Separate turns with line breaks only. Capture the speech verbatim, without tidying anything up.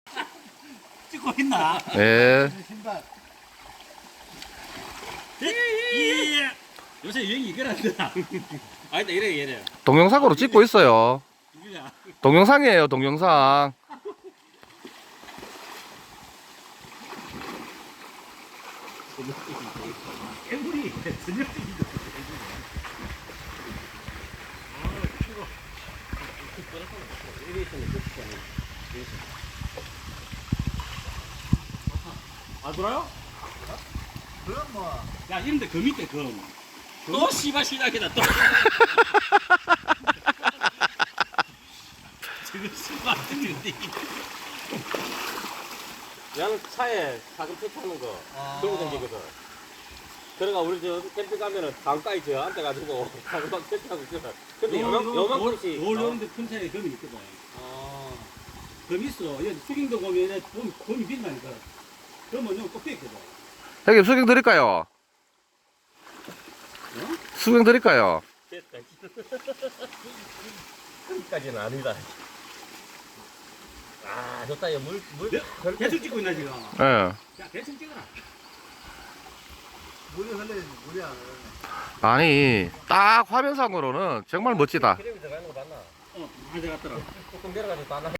찍고 있나?
예.
신발.
예. 요새 유행이 이거란다. 아니다 이래 이래.
동영상으로 찍고 있어요.
누구냐?
동영상이에요, 동영상.
애물이 전력적이다. 아 돌아요?
그럼 뭐.
야 이런데 검 있대 검. 또 씨발 시작이다 또. 지금 씨발 뜨는데.
나는 차에 작은 팩하는 거 들고 다니거든. 그러니까 우리 저 캠핑 가면은 강가에 저 앉아가지고 가방 팩하고 있거든. 근데 요만 요만큼씩.
돌 요런데 큰 차에 검이 있거든.
어.
검 있어. 여기 수경도 보면 검 검이 빛나니까. 검은 좀 꼽혀 있거든.
형님, 수경 드릴까요? 수경 드릴까요?
됐다. 거기까지는 아니다. 아 좋다. 이거 물 물.
네? 대충 찍고 있나 지금?
예.
야 대충 찍어라.
물이 흘러야지, 물이 안 흘러네.
아니, 딱 화면상으로는 정말 멋지다.
기름이 들어가는 거 봤나?
어, 가져갔더라.
조금 내려가지고 다 나.